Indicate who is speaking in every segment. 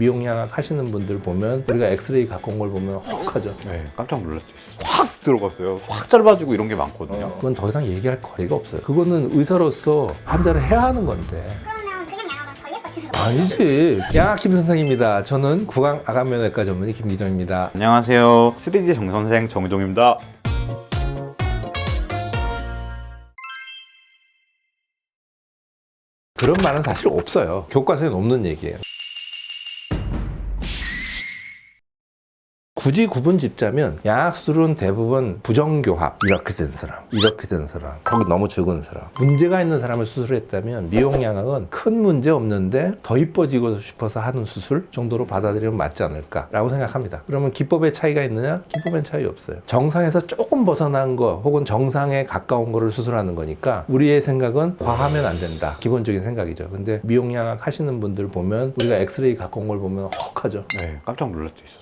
Speaker 1: 미용양악 하시는 분들 보면 우리가 엑스레이 갖고 온 걸 보면 헉하죠.
Speaker 2: 네, 깜짝 놀랐어요. 확 들어갔어요. 확 짧아지고 이런 게 많거든요.
Speaker 1: 그건 더 이상 얘기할 거리가 없어요. 그거는 의사로서 환자를 해야 하는 건데.
Speaker 3: 그러면 그냥 양아가 덜 예뻐지는 거
Speaker 1: 아니지. 양악 김 선생입니다. 저는 구강 아간면외과 전문의 김기정입니다.
Speaker 2: 안녕하세요. 3D 정선생 정희동입니다.
Speaker 1: 그런 말은 사실 없어요. 교과서에는 없는 얘기예요. 굳이 구분 짓자면 양악술은 대부분 부정교합, 이렇게 된 사람, 이렇게 된 사람, 혹은 너무 죽은 사람, 문제가 있는 사람을 수술했다면 미용양악은 큰 문제 없는데 더 이뻐지고 싶어서 하는 수술 정도로 받아들이면 맞지 않을까라고 생각합니다. 그러면 기법의 차이가 있느냐? 기법엔 차이 없어요. 정상에서 조금 벗어난 거 혹은 정상에 가까운 거를 수술하는 거니까 우리의 생각은 과하면 안 된다. 기본적인 생각이죠. 근데 미용양악 하시는 분들 보면 우리가 엑스레이 갖고 온 걸 보면 헉하죠.
Speaker 2: 네, 깜짝 놀랐어요.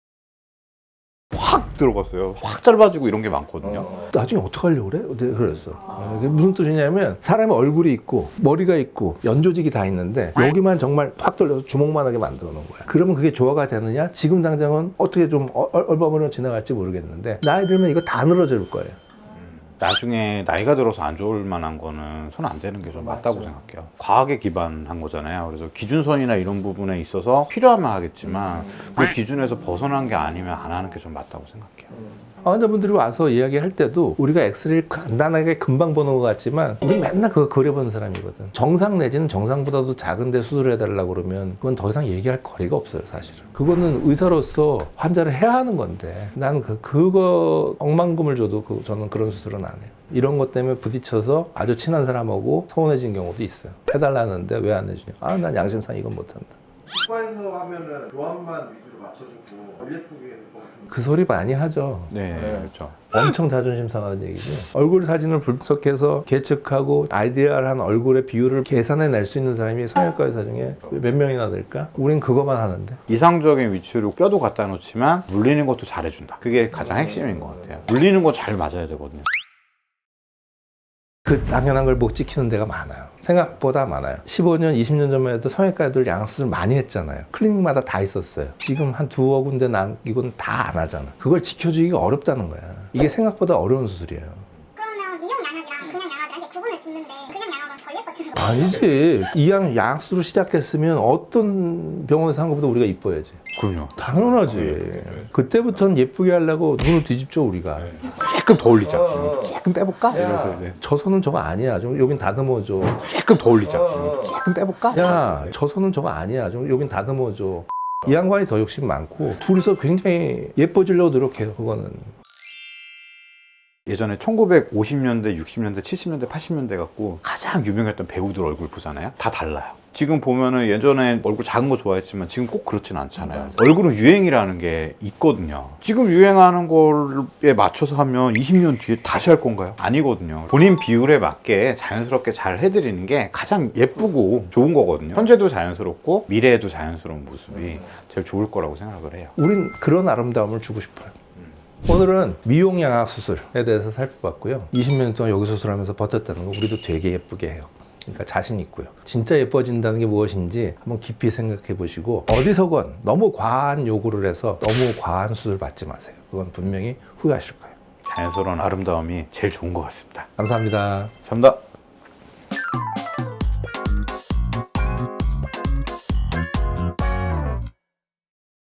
Speaker 2: 확 들어갔어요. 확 짧아지고 이런 게 많거든요.
Speaker 1: 나중에 어떡하려고 그래? 그랬어. 그게 무슨 뜻이냐면 사람의 얼굴이 있고 머리가 있고 연조직이 다 있는데 여기만 정말 확 돌려서 주먹만하게 만들어 놓은 거야. 그러면 그게 조화가 되느냐? 지금 당장은 어떻게 좀 얼버무려 지나갈지 모르겠는데 나이 들면 이거 다 늘어질 거예요.
Speaker 2: 나중에 나이가 들어서 안 좋을 만한 거는 손 안 대는 게 좀 맞다고 생각해요. 과학에 기반한 거잖아요. 그래서 기준선이나 이런 부분에 있어서 필요하면 하겠지만 그 기준에서 벗어난 게 아니면 안 하는 게 좀 맞다고 생각해요.
Speaker 1: 환자분들이 와서 이야기할 때도 우리가 엑스레이를 간단하게 금방 보는 것 같지만 우리 맨날 그거 그려보는 사람이거든. 정상 내지는 정상보다도 작은데 수술해달라고 그러면 그건 더 이상 얘기할 거리가 없어요, 사실은. 그거는 의사로서 환자를 해야 하는 건데 나는 그거 억만금을 줘도 저는 그런 수술은 안 해요. 이런 것 때문에 부딪혀서 아주 친한 사람하고 서운해진 경우도 있어요. 해달라는데 왜 안 해주냐. 난 양심상 이건 못한다.
Speaker 4: 치과에서 하면은 교환만 위주로 맞춰주고 덜 예쁘게 해줄 것 같은데
Speaker 1: 그 소리 많이 하죠.
Speaker 2: 네, 그렇죠.
Speaker 1: 엄청 자존심 상하는 얘기죠. 얼굴 사진을 분석해서 계측하고 아이디어한 얼굴의 비율을 계산해낼 수 있는 사람이 성형외과 의사 중에 몇 명이나 될까? 우린 그거만 하는데.
Speaker 2: 이상적인 위치로 뼈도 갖다 놓지만 물리는 것도 잘해준다. 그게 가장 핵심인 것 같아요. 물리는 거 잘 맞아야 되거든요.
Speaker 1: 그 당연한 걸 못 지키는 데가 많아요. 생각보다 많아요. 15년, 20년 전만 해도 성형외과 애들 양악수술 많이 했잖아요. 클리닉마다 다 있었어요. 지금 한 두어 군데 남기고는 다 안 하잖아. 그걸 지켜주기가 어렵다는 거야. 이게 생각보다 어려운 수술이에요.
Speaker 3: 그러면 미용 양악이랑 그냥 양악이랑 이렇게 구분을 짓는데 그냥 양악은 덜 예뻐지는 거
Speaker 1: 아니지. 이왕 양악수로 시작했으면 어떤 병원에서 한 것보다 우리가 이뻐야지.
Speaker 2: 그럼요.
Speaker 1: 당연하지. 그때부터는 예쁘게 하려고 눈을 뒤집죠, 우리가.
Speaker 2: 조금 더 올리자. 조금 빼볼까? 이래서 네.
Speaker 1: 저 손은 저거 아니야. 좀 여긴 다듬어줘.
Speaker 2: 조금 더 올리자. 조금 빼볼까?
Speaker 1: 야, 저 손은 저거 아니야. 좀 여긴 다듬어줘. 이 양반이 더 욕심 많고 둘이서 굉장히 예뻐지려고 노력해요. 그거는.
Speaker 2: 예전에 1950년대, 60년대, 70년대, 80년대 갖고 가장 유명했던 배우들 얼굴 보잖아요. 다 달라요. 지금 보면은 예전에 얼굴 작은 거 좋아했지만 지금 꼭 그렇진 않잖아요. 얼굴은 유행이라는 게 있거든요. 지금 유행하는 거에 맞춰서 하면 20년 뒤에 다시 할 건가요? 아니거든요. 본인 비율에 맞게 자연스럽게 잘 해드리는 게 가장 예쁘고 좋은 거거든요. 현재도 자연스럽고 미래에도 자연스러운 모습이 제일 좋을 거라고 생각을 해요.
Speaker 1: 우린 그런 아름다움을 주고 싶어요. 오늘은 미용 양악 수술에 대해서 살펴봤고요. 20년 동안 여기 수술하면서 버텼다는 거 우리도 되게 예쁘게 해요. 그러니까 자신 있고요. 진짜 예뻐진다는 게 무엇인지 한번 깊이 생각해 보시고 어디서건 너무 과한 요구를 해서 너무 과한 수술 받지 마세요. 그건 분명히 후회하실 거예요.
Speaker 2: 자연스러운 아름다움이 제일 좋은 것 같습니다.
Speaker 1: 감사합니다.
Speaker 2: 감사합니다.